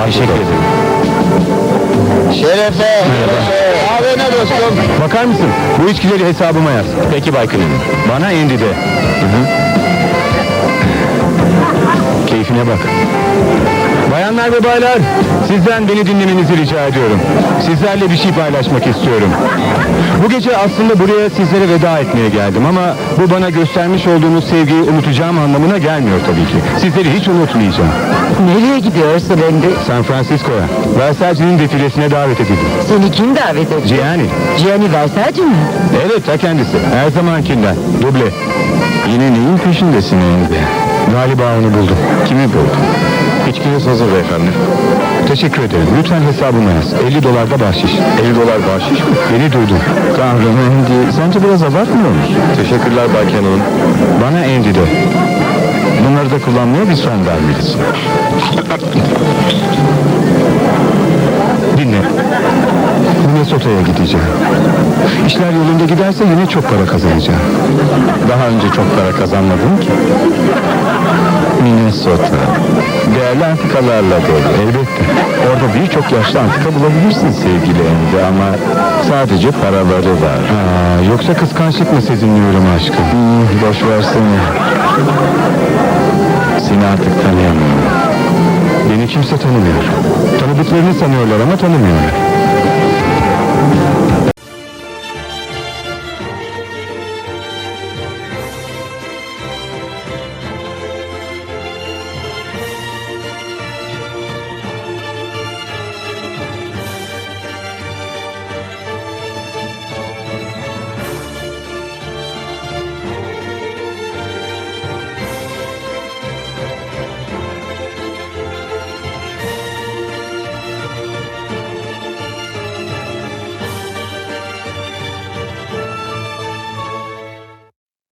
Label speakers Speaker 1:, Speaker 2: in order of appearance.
Speaker 1: Teşekkür ederim.
Speaker 2: Şerefe. Abi ne dostum?
Speaker 1: Bakar mısın? Bu içkileri hesabıma yaz. Peki Bay Clinton. Bana Andy de. Keyfine bak. Bayanlar ve baylar, sizden beni dinlemenizi rica ediyorum. Sizlerle bir şey paylaşmak istiyorum. Bu gece aslında buraya sizlere veda etmeye geldim ama bu bana göstermiş olduğunuz sevgiyi unutacağım anlamına gelmiyor tabii ki. Sizleri hiç unutmayacağım.
Speaker 3: Nereye gidiyorsun Andy?
Speaker 1: San Francisco'ya, Versace'nin defilesine davet edildim.
Speaker 3: Seni kim davet etti?
Speaker 1: Gianni.
Speaker 3: Gianni Versace mi?
Speaker 1: Evet, ta kendisi. Her zamankinden. Duble. Yine neyin peşindesin Andy? Galiba onu buldum. Kimi buldun? İçkiniz hazır beyefendi. Teşekkür ederim. Lütfen hesabıma yaz. $50 da bahşiş. $50 bahşiş mi? Beni duydun. Tanrım Andy, sence biraz abartmıyor musun? Teşekkürler Bay Cannon'un. Bana Andy de. Bunları da kullanmaya bir son vermelisin. Dinle. Minnesota'ya gideceğim. İşler yolunda giderse yine çok para kazanacağım. Daha önce çok para kazanmadım ki. Minnesota. Değerli antikalarla dolu. Elbette. Orada birçok yaşlı antika bulabilirsin sevgili Andy ama sadece paraları var. Yoksa kıskançlık mı sezinliyorum aşkım? Boş versene. Seni artık tanıyamıyorum. Beni kimse tanımıyor. Tanıdıklarını sanıyorlar ama tanımıyorlar.